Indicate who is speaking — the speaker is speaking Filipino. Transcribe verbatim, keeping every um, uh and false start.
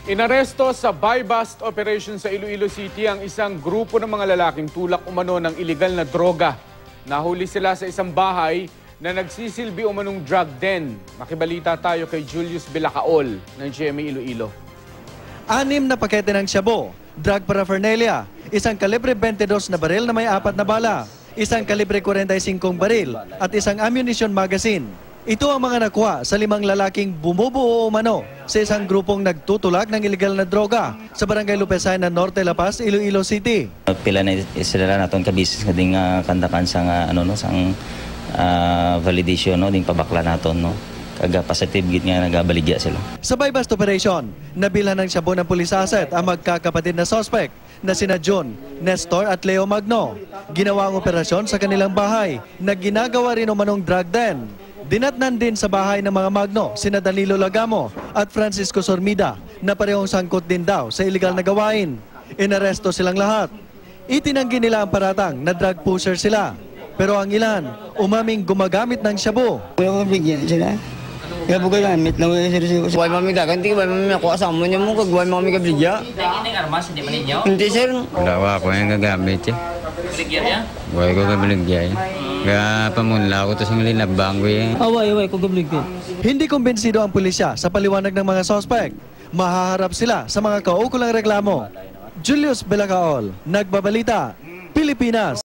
Speaker 1: Inaresto sa buy-bust operation sa Iloilo City ang isang grupo ng mga lalaking tulak umano ng iligal na droga. Nahuli sila sa isang bahay na nagsisilbi umanong drug den. Makibalita tayo kay Julius Bilacaol ng G M A Iloilo.
Speaker 2: Anim na pakete ng shabu, drug paraphernalia, isang kalibre twenty-two na baril na may apat na bala, isang kalibre forty-five baril at isang ammunition magazine. Ito ang mga nakuha sa limang lalaking bumubuo umano sa isang grupong nagtutulak ng iligal na droga sa Barangay Lupesay na Norte La Paz, Iloilo City.
Speaker 3: Pila na sila naton ka business nga ding uh, kandakan sang uh, ano no sang uh, validation no ding pabakla naton no. Kaga positive gid nga nagabaligya sila.
Speaker 2: Sa buy-bust operation, nabilhan ng shabu ng police asset ang magkakapatid na suspect na sina John, Nestor at Leo Magno. Ginawa ang operasyon sa kanilang bahay na ginagawa rin umanong drug den. Dinatnan din sa bahay ng mga Magno sina Danilo Lagamo at Francisco Sormida na parehong sangkot din daw sa iligal na gawain. Inaresto silang lahat. Itinanggi nila ang paratang na drug pusher sila. Pero ang ilan, umaming gumagamit ng shabu.
Speaker 4: Wala ko bigyan sila. Kaya po gamit na wala sila. Huwag mami gaganti, huwag mami ako asama niya mo, huwag mami kabligya.
Speaker 5: Hindi nga armas, hindi man ninyo?
Speaker 4: Hindi sir.
Speaker 6: Wala ko yung gagamit eh.
Speaker 5: Baligya niya?
Speaker 6: Huwag ko kabaligya eh. Kaya pamunla ko ito sa linabang ko eh.
Speaker 4: Away, away, ko kabligya.
Speaker 2: Hindi kumbinsido ang pulisya sa paliwanag ng mga suspect. Mahaharap sila sa mga kaukulang reklamo. Julius Bilacaol, Nagbabalita, Pilipinas.